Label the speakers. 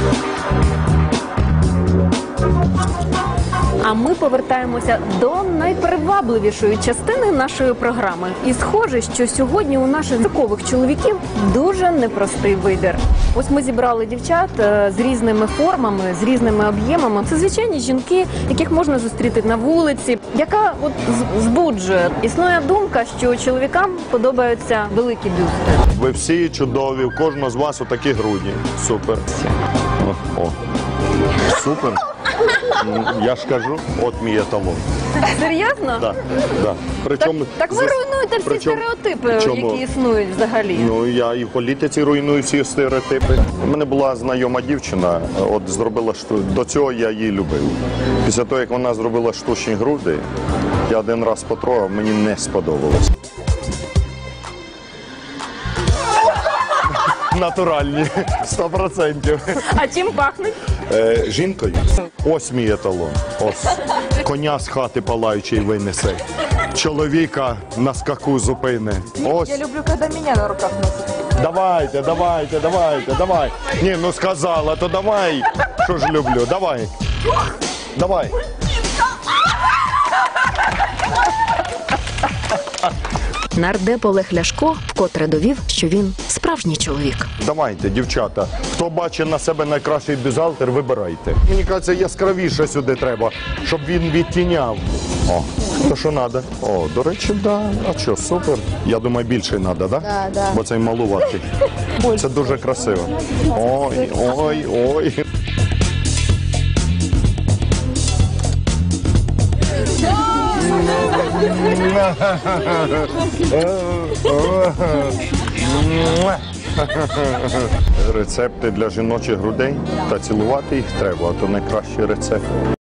Speaker 1: А ми повертаємося до найпривабливішої частини нашої програми. І схоже, що сьогодні у наших зіркових чоловіків дуже непростий вибір. Ось ми зібрали дівчат з різними формами, з різними об'ємами. Це звичайні жінки, яких можна зустріти на вулиці, яка от збуджує. Існує думка, що чоловікам подобаються великі бюсти.
Speaker 2: Ви всі чудові, у кожного з вас отакі грудні. Супер. О. Супер. Я ж кажу, от мій еталон.
Speaker 1: Серйозно?
Speaker 2: Да, да. Причому,
Speaker 1: Так ви руйнуєте всі стереотипи, які існують взагалі.
Speaker 2: Ну, я і в політиці руйную всі стереотипи. У мене була знайома дівчина, от зробила до цього я її любив. Після того, як вона зробила штучні груди, я один раз потрогав, мені не сподобалось. Натуральні, 100%.
Speaker 1: А чим пахнуть?
Speaker 2: Жінкою. Ось мій еталон. Ось. Коня з хати палаючий винесе. Чоловіка на скаку зупине. Ось.
Speaker 3: Я люблю, когда меня на руках носят.
Speaker 2: Давай. Ні, ну сказала, то давай. Що ж люблю, давай.
Speaker 1: Нардеп Олег Ляшко вкотре довів, що він справжній чоловік.
Speaker 2: Давайте, дівчата, хто бачить на себе найкращий бюзгалтер, вибирайте. Мені кажеться, яскравіше сюди треба, щоб він відтіняв. О, то що треба? О, до речі, да. А що, супер. Я думаю, більше треба, да?
Speaker 3: Да.
Speaker 2: Бо цей малуватий. Це дуже красиво. Ой. Рецепти для жіночих грудей та цілувати їх треба, а то найкращий рецепт.